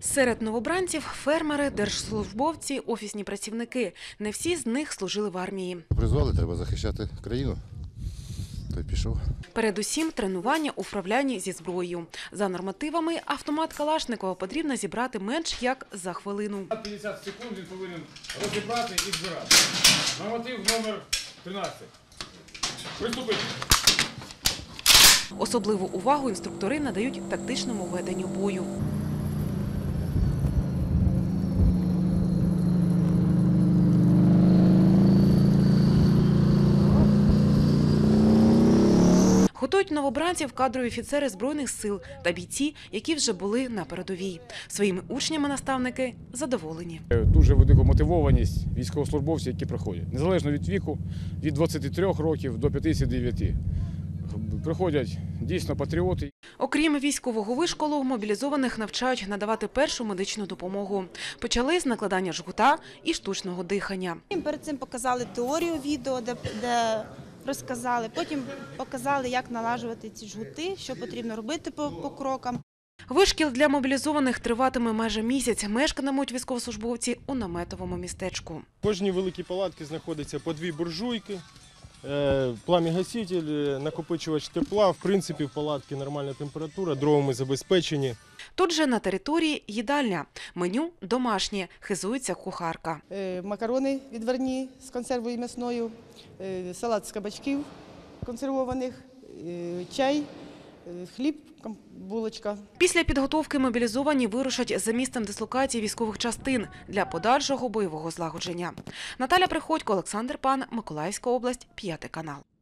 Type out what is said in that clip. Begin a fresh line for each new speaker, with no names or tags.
Серед новобранців – фермери, держслужбовці, офісні працівники. Не всі з них служили в армії.
Призвали, треба захищати країну. Той пішов.
Передусім тренування у вправлянні зі зброєю. За нормативами автомат Калашникова потрібно зібрати менш як за хвилину.
50 секунд він повинен розібрати і збирати. Норматив номер 13. Приступити.
Особливу увагу інструктори надають тактичному веденню бою. Готують новобранців кадрові офіцери Збройних сил та бійці, які вже були на передовій. Своїми учнями наставники задоволені.
Дуже велика мотивованість військовослужбовців, які проходять. Незалежно від віку, від 23 років до 59. Приходять дійсно патріоти.
Окрім військового вишколу, мобілізованих навчають надавати першу медичну допомогу. Почали з накладання жгута і штучного дихання.
Перед цим показали теорію відео, де розказали, потім показали, як налажувати ці жгути, що потрібно робити по крокам.
Вишкіл для мобілізованих триватиме майже місяць. Мешкатимуть військовослужбовці у наметовому містечку.
В кожній великій палатці знаходиться по 2 буржуйки, плам'я-гаситель, накопичувач тепла. В принципі, в палатці нормальна температура, дровами забезпечені.
Тут же на території їдальня. Меню домашнє, хизується кухарка.
Макарони відварні з консервою м'ясною, салат з кабачків консервованих, чай, хліб, булочка.
Після підготовки мобілізовані вирушать за місцем дислокації військових частин для подальшого бойового злагодження. Наталя Приходько, Олександр Пан, Миколаївська область, 5 канал.